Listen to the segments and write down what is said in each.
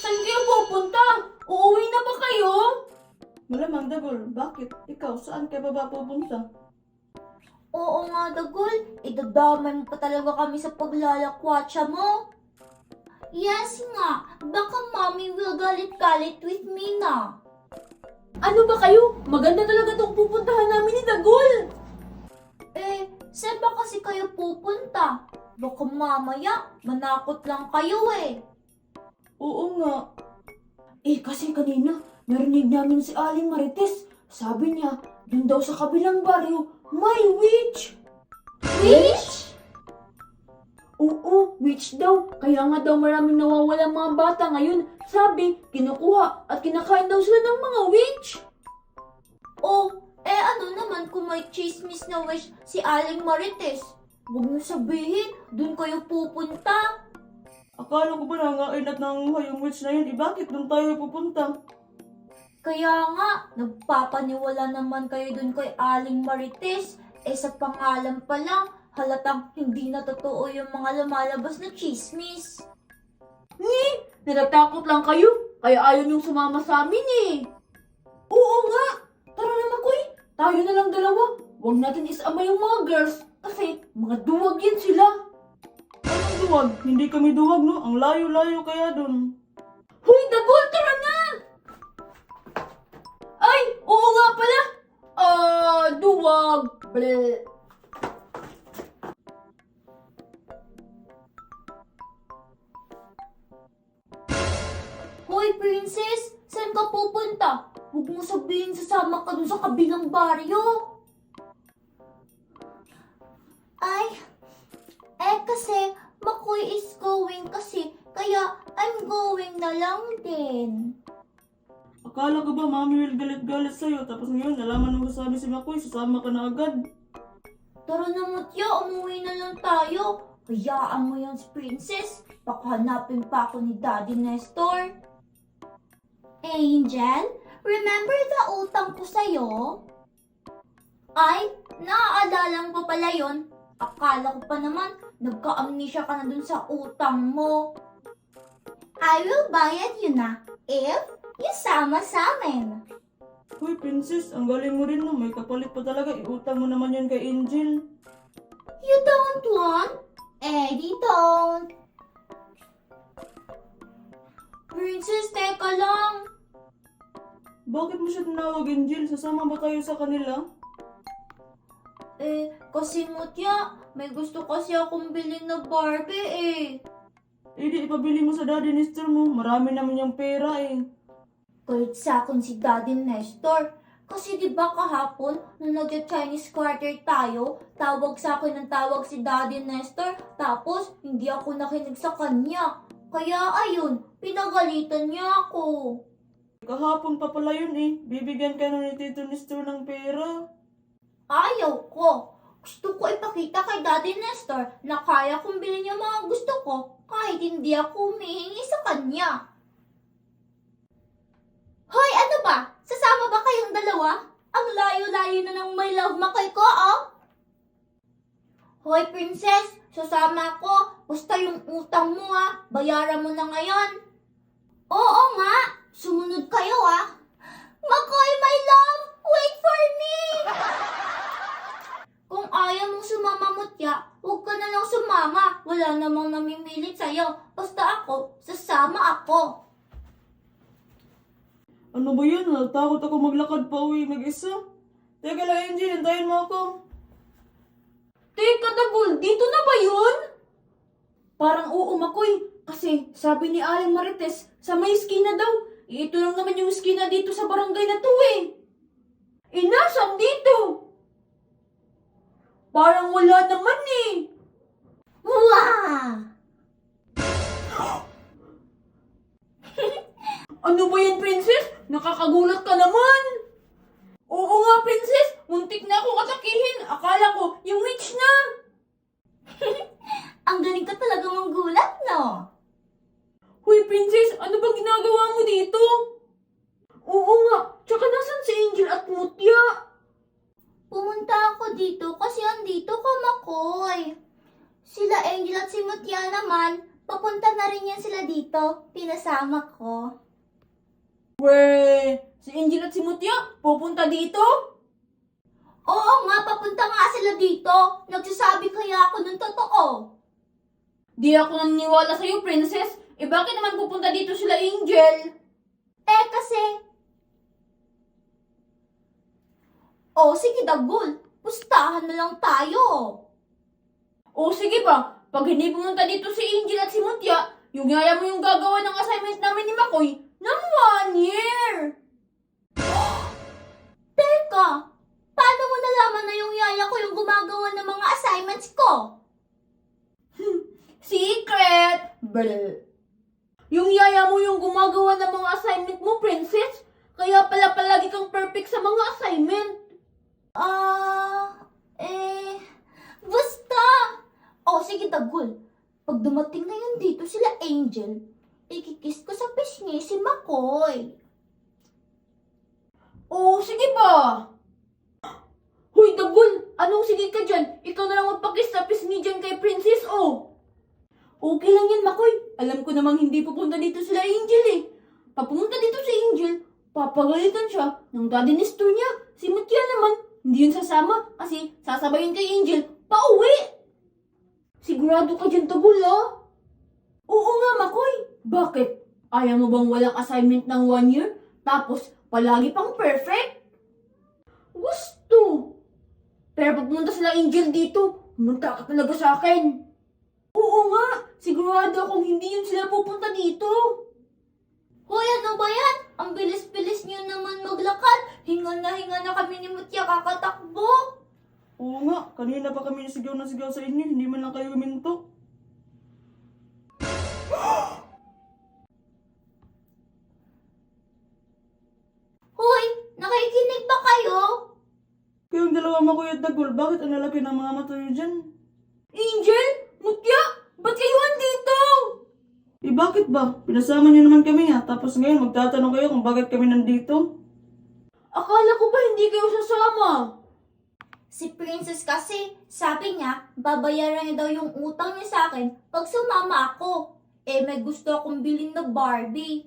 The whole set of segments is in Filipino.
Saan kayo pupunta? Uuwi na ba kayo? Malamang Dagol, bakit? Ikaw, saan ka ba pupunta? Oo nga, Dagol. Idadamay mo pa talaga kami sa paglalakwatsa mo. Yes nga, baka mommy will galit-galit with me na. Ano ba kayo? Maganda talaga tong pupuntahan namin ni Dagol. Saan ba kasi kayo pupunta? Baka mamaya, manakot lang kayo eh. Oo nga. Kasi kanina, narinig namin si Aling Marites. Sabi niya, dun daw sa kabilang baryo, may witch. Witch? Oo, witch daw. Kaya nga daw maraming nawawalang mga bata ngayon. Sabi, kinukuha at kinakain daw sila ng mga witch. Ano naman kung may chismis na wish si Aling Marites? Huwag mo sabihin, dun kayo pupunta. Akala ko ba nangain at nanguha yung witch na yun? Bakit doon tayo pupunta? Kaya nga, nagpapaniwala naman kayo dun kay Aling Marites. Sa pangalan pa lang, halatang hindi na totoo yung mga lumalabas na chismis. Natatakot lang kayo. Kaya ayaw niyong sumama sa amin eh. Oo nga. Tara na Makoy. Tayo na lang dalawa. Huwag natin isama yung mga girls. Kasi mga duwag yan sila. Anong duwag? Hindi kami duwag, no? Ang layo-layo kaya doon. Hoy, Dagol, tara na! Ay, oo nga pala. Duwag. Bleh. Hoy, princess! Saan ka pupunta? Huwag mo sabihin sasama ka dun sa kabilang baryo. Kasi Makoy is going kasi, kaya I'm going na lang din. Akala ko ba mami will galit-galit sa'yo? Tapos ngayon, nalaman mo sabi si Makoy, sasama ka na agad. Tara na Mutya, umuwi na lang tayo. Hayaan mo yan si princess. Baka hanapin pa ako ni Daddy Nestor. Angel, remember the utang ko sa'yo? Ay, naaalala mo pa pala yun. Akala ko pa naman, nagka-amnesia ka na dun sa utang mo. I will bayad you na if you sama sa amin. Hoy, princess, ang galing mo rin, no? May kapalit pa talaga. Iutang mo naman yan kay Angel. You don't want? Eddie don't. Princess, teka lang. Bakit mo siya tinawag, Angel? Sasama ba tayo sa kanila? Kasi Mutya, may gusto kasi akong bilhin na Barbie Di ipabili mo sa daddy Nestor mo. Marami naman yung pera eh. Kahit sa akin si Daddy Nestor. Kasi di ba kahapon, nung nag-Chinese quarter tayo, tawag sa akin ng tawag si Daddy Nestor, tapos hindi ako nakinig sa kanya. Kaya ayun, pinagalitan niya ako. Kahapon pa pala yun eh. Bibigyan ka na ni Tito Nestor ng pera. Ayaw ko. Gusto ko ipakita kay Daddy Nestor na kaya kong bilhin yung mga gusto ko kahit hindi ako humihingi sa kanya. Hoy, ano ba? Sasama ba kayong dalawa? Ang layo-layo na ng my love Makoy ko, oh! Hoy, princess! Sasama ko. Basta yung utang mo, bayaran mo na ngayon. Oo nga. Sumunod kayo, Makoy, my love! Wait for me! Kung ayaw mong sumama, Mutya, huwag ka na lang sumama. Wala namang namimilit sa'yo. Basta ako, sasama ako. Ano ba yun? Natakot ako maglakad pa uwi mag-isa. Teka lang, Angel. Hintayin mo ako. Teka, Dagol, dito na ba yun? Parang oo, Makoy. Kasi sabi ni Aling Marites, sa may skina daw. Ito lang naman yung skina dito sa barangay na to eh. Nasaan dito? Parang wala naman eh. Wow! Ano ba yan, princess? Nakakagulat ka naman. Oo nga, princess. Muntik na akong atakihin. Akala ko, yung witch na. Ang galing ka talaga manggulat, no? Hoy, princess, ano bang ginagawa mo dito? Oo nga, tsaka nasan si Angel at Mutya? Pumunta ako dito kasi andito ka, Makoy. Sila Angel at si Mutya naman, papunta na rin yan sila dito. Pinasama ko. Weh, si Angel at si Mutya, pupunta dito? Oo nga, papunta nga sila dito. Nagsasabi kaya ako ng totoo. Di ako naniniwala sa'yo, Princess. Eh bakit naman pupunta dito sila, Angel? Kasi... Oh, sige Dagul. Pustahan na lang tayo. O sige ba, pag hindi pumunta dito si Angel at si Mutya, yung yaya mo yung gagawa ng assignment namin ni Makoy ng 1 year. Teka, paano mo nalaman na yung yaya ko yung gumagawa ng mga assignments ko? Secret! Brr. Yung yaya mo yung gumagawa ng mga assignment mo, Princess. Kaya pala palagi kang perfect sa mga assignment. Basta! Oh, sige Dagul. Pag dumating na yun dito sila Angel, ikikiss ko sa pisngi si Makoy. O sige ba? Hoy, Dagul! Anong sige ka dyan? Ikaw na lang magpakis sa pisngi dyan kay Princess, oh! Okay lang yan, Makoy. Alam ko namang hindi pupunta dito sila Angel eh. Pag pumunta dito si Angel, papagalitan siya ng daddy Nestor niya. Si Mutya naman, hindi yun sasama kasi sasabayin kay Angel pauwi. Sigurado ka dyan, Dagul, ah? Oo nga, Makoy. Bakit? Ayaw mo bang walang assignment ng 1 year? Tapos, palagi pang perfect? Gusto. Pero pag pumunta sila Angel dito, pumunta ka talaga sa akin. Oo nga, sigurado akong hindi yun sila pupunta dito. Hoy, ano ba yan? Ang bilis-bilis niyo naman maglakad. Hinga na kami ni Mutya kakatakbo. Oo nga, kanina pa kami nasigaw na sigaw sa inyo, hindi man lang kayo huminto. Hoy, nakikinig ba kayo? Kayong dalawa Makoy at Dagul, bakit ang lalaki ng mga mata nyo dyan? Angel? Mutya? Ba't kayo andito? Eh bakit ba? Pinasama nyo naman kami ha, tapos ngayon magtatanong kayo kung bakit kami nandito. Akala ko ba hindi kayo sasama? Si Princess kasi, sabi niya, babayaran niya daw yung utang niya sa akin pag sumama ako. May gusto akong bilhin na Barbie.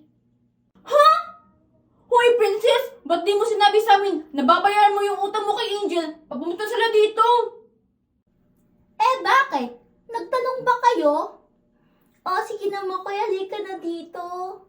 Hoy, Princess! Ba't di mo sinabi sa amin na babayaran mo yung utang mo kay Angel pag pumunta sila dito? Bakit? Nagtanong ba kayo? Sige na Makoy, halika na dito.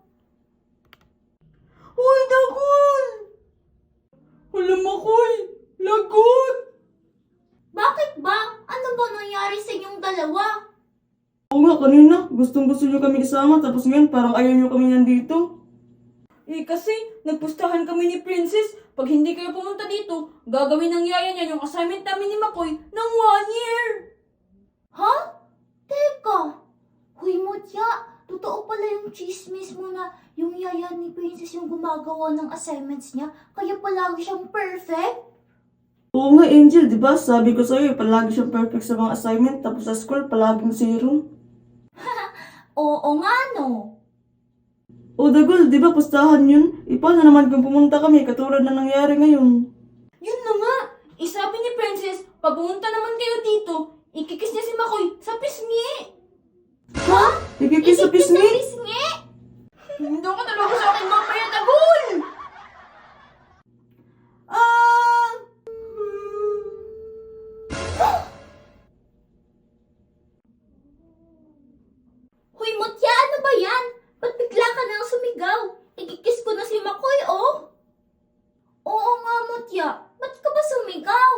Hoy, Dagul! Wala, Makoy! Lagot! Bakit ba? Ano ba nangyari sa inyong dalawa? Oo nga, kanina, gustong gusto nyo kami isama, tapos ngayon parang ayaw nyo kami nandito. Kasi nagpustahan kami ni Princess. Pag hindi kayo pumunta dito, gagawin ng yaya niya yung assignment namin ni Makoy ng 1 year. Ha? Teka. Huy Mutya, totoo pala yung chismis mo na yung yaya ni Princess yung gumagawa ng assignments niya, kaya palagi siyang perfect? Oo nga, Angel, di ba? Sabi ko sa'yo, palagi siyang perfect sa mga assignment, tapos sa school, palaging zero. Oo nga no. O Dagul, di ba pustahan yun? Paano naman kung pumunta kami, katulad na nangyari ngayon? Yun na nga. Sabi ni Princess, pag pumunta naman kayo dito, ikikis niya si Makoy sa pisngi. Ha? Ikikis sa pisngi? Pisngi? Hindi ka talaga sa akin mamaya, Dagul! Huy Mutya, ano ba yan? Ba't bigla ka nang sumigaw? Ikikis ko na si Makoy, oh. Oo nga Mutya, ba't ka ba sumigaw?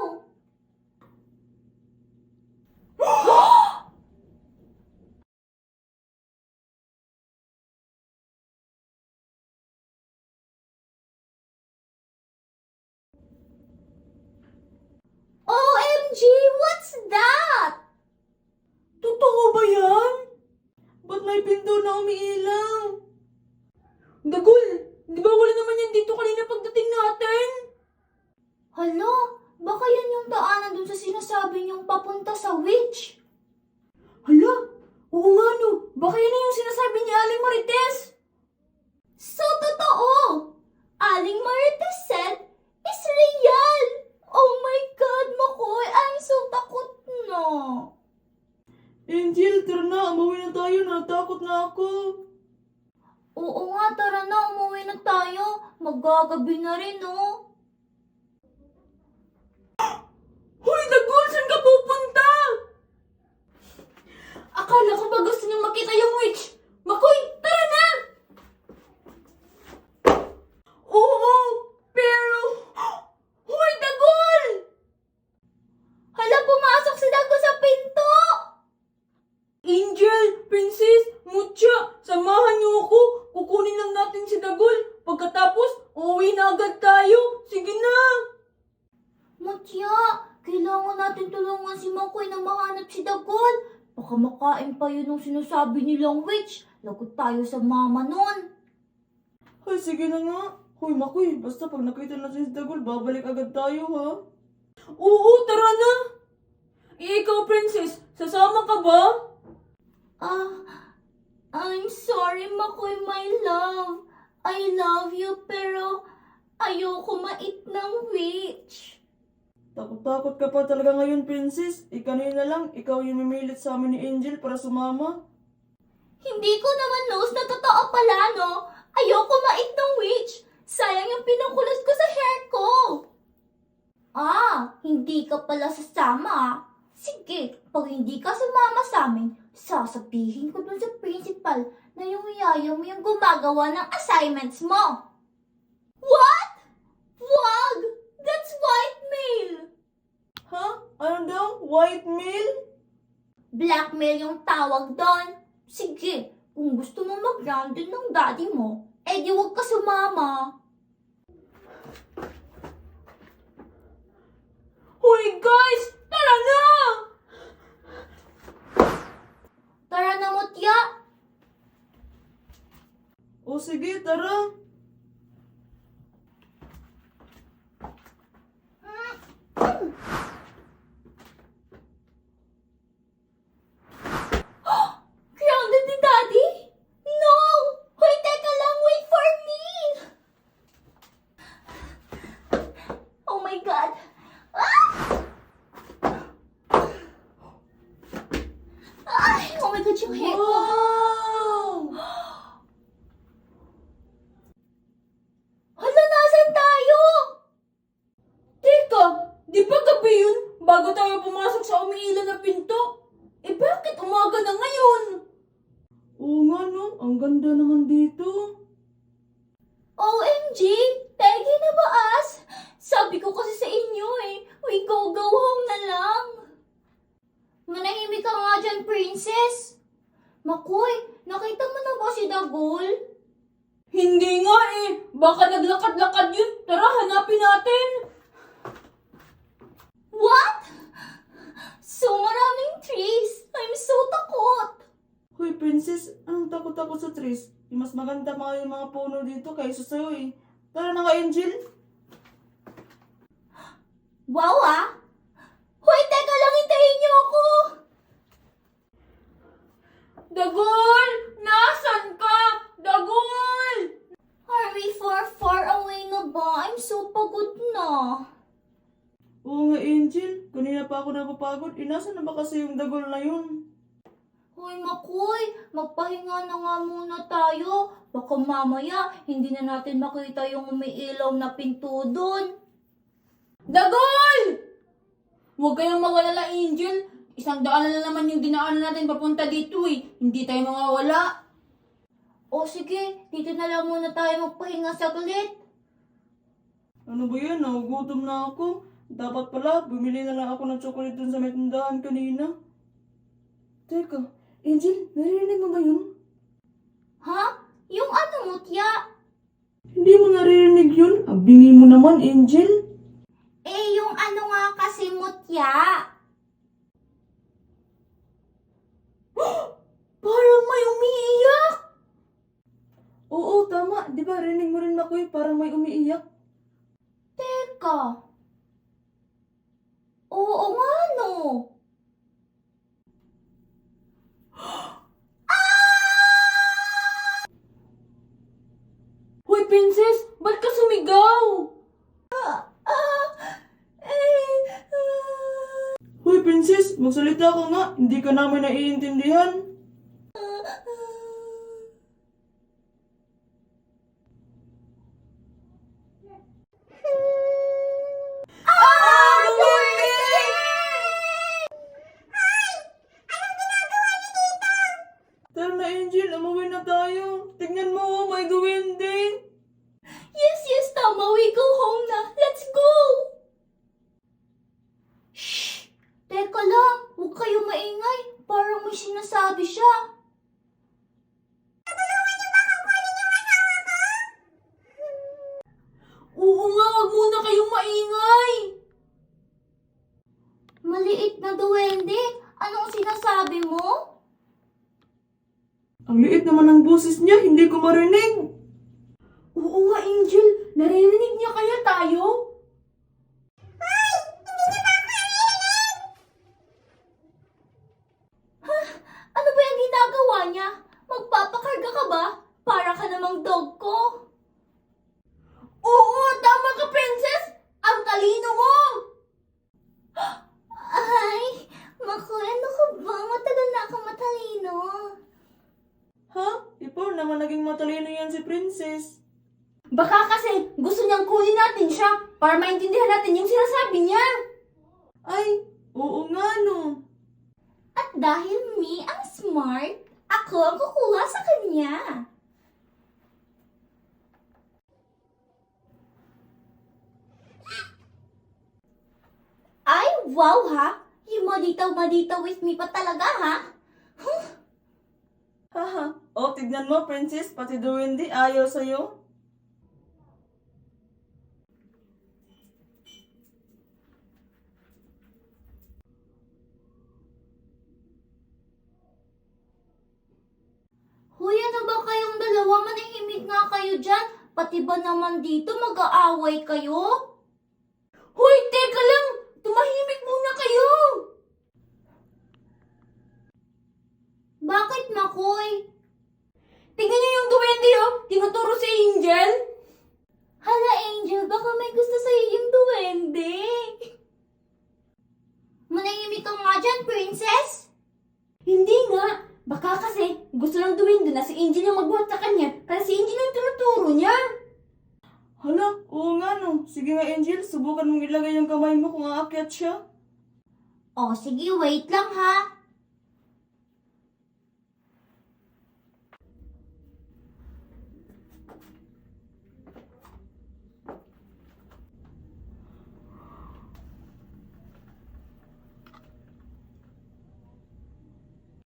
OMG, what's that? Totoo ba yan? Ba't may pinto na umiilaw? Dagul, di ba wala naman yan dito kanina pagdating natin? Hala, baka yan yung daanan dun sa sinasabi niyong papunta sa witch. Hala, oo nga no. Baka yan na yung sinasabi ni Aling Marites. So, totoo! Aling Marites said, is real! Oh my God, Makoy, I'm so takot na. Angel, tara na, umuwi na tayo Angel, natakot na ako. Oo nga, tara na, umuwi na tayo. Magagabi na rin, oh. Hoy, Dagol! Saan ka pupunta? Akala ko ba gusto niyong makita yung witch? Makoy, tara na! Oo, pero... Hoy, Dagol! Hala, pumasok si Dago sa pinto! Angel, Princess, Mucha, samahan niyo ako. Kukunin lang natin si Dagol. Pagkatapos, uuwi na agad tayo. Sige na. Mutya, kailangan natin tulungan si Makoy na mahanap si Dagol. Baka makain pa yun ng sinasabi nilang witch. Lagot tayo sa mama nun. Ay, sige na nga. Hoy, Makoy, basta pag nakita natin si Dagol, babalik agad tayo, ha? Oo, tara na. Ikaw, Princess, sasama ka ba? I'm sorry, Makoy, my love. I love you, pero ayoko mait ng witch. Takot-takot ka pa talaga ngayon, Princess. Kanina lang, ikaw yung mimilit sa amin ni Angel para sumama. Hindi ko naman knows na totoo pala, no? Ayoko mait ng witch. Sayang yung pinangkulot ko sa hair ko. Hindi ka pala sasama. Sige, pag hindi ka sumama sa amin, sasabihin ko dun sa principal na yung yaya mo yung gumagawa ng assignments mo. What? Wag! That's whitemail! Ha? Ano daw? Whitemail? Blackmail yung tawag doon. Sige, kung gusto mo mag-grounded ng daddy mo, di wag ka sumama. Hoy, guys! Tara na! Tara na, Mutya! O sige, tara. Grounded ni daddy? No! Hoy, teka lang, wait for me! Oh my God! Oh my God, yung hair ko! Wow! Hala, nasan tayo? Teka, di ba gabi yun bago tayo pumasok sa umiilan na pinto? Bakit umaga na ngayon? Oo nga, no? Ang ganda naman dito. OMG! Peggy na ba as? Sabi ko kasi sa inyo we go home na lang. Manahimik ka nga dyan, princess. Makoy, nakita mo na ba si Dagol? Hindi nga baka naglakad-lakad yun. Tara, hanapin natin. What? So maraming trees. I'm so takot. Hoy, Princess, anong takot-takot sa trees? Mas maganda mga yung mga puno dito kaysa sa'yo, eh. Tara na nga, Angel. Wow, Hoy, teka lang, hintayin niyo ako. Dagol! Nasaan ka? Dagol! Are we far away na ba? I'm so pagod na. Oo nga, Angel. Kanina pa ako napapagod. Nasaan na ba kasi yung Dagol na yun? Hoy, Makoy, magpahinga na nga muna tayo. Baka mamaya, hindi na natin makita yung umiilaw na pinto doon. Dagol! Huwag kayong mawalala, Angel. 100 na naman yung dinaanan natin papunta dito Hindi tayo mawawala. O sige, dito na lang muna tayo magpahinga saglit. Ano ba yan? Nagugutom na ako. Dapat pala, bumili na lang ako ng chocolate dun sa may tindahan kanina. Teka, Angel, narinig mo ba yun? Ha? Yung ano, Mutya? Hindi mo narinig yun? Abingi mo naman, Angel. Yung ano nga kasi, Mutya? Parang may umiiyak. Oo, tama. Di ba, rinig mo rin ako parang may umiiyak. Teka. Oo nga, no. Hoy, Princess! Ba't ka sumigaw? Hoy, Princess, magsalita ka nga. Hindi ka namin naiintindihan. maingay! Maliit na duwende, anong sinasabi mo? Ang liit naman ng boses niya, hindi ko marinig. Oo nga, Angel. Naririnig niya kaya tayo? Ano ba yung ginagawa niya? Magpapakarga ka ba? Para ka namang dog ko. Oo, tama ka, Princess! Ang talino mo! Ay, Makoy, ano ka ba? Matagal na ako matalino. Ha? Ipor naman naging matalino yan si Princess. Baka kasi gusto niyang kunin natin siya para maintindihan natin yung sinasabi niya. Ay, oo nga no. At dahil me ang smart, ako ang kukuha sa kanya. Ay, wow ha! Yung malitaw-malitaw with me pa talaga ha? Haha. O, tignan mo, Princess, pati Duwende ayaw sa'yo. Hoy, ano ba kayong dalawa? Manahimik nga kayo dyan. Pati ba naman dito mag-aaway kayo? Hoy, teka lang! Tumahimik muna kayo! Bakit, Makoy? Tingnan niyo yung duwende, oh! Tinuturo si Angel! Hala, Angel, baka may gusto sa'yo yung duwende. Manahimik ka nga dyan, Princess. Hindi nga! Baka kasi gusto ng duwende na si Angel yung magbuhat sa kanya kasi si Angel yung tinuturo niya. Hala, oo nga no. Sige nga, Angel, subukan mong ilagay yung kamay mo kung aakyat siya. Oh, sige, wait lang ha.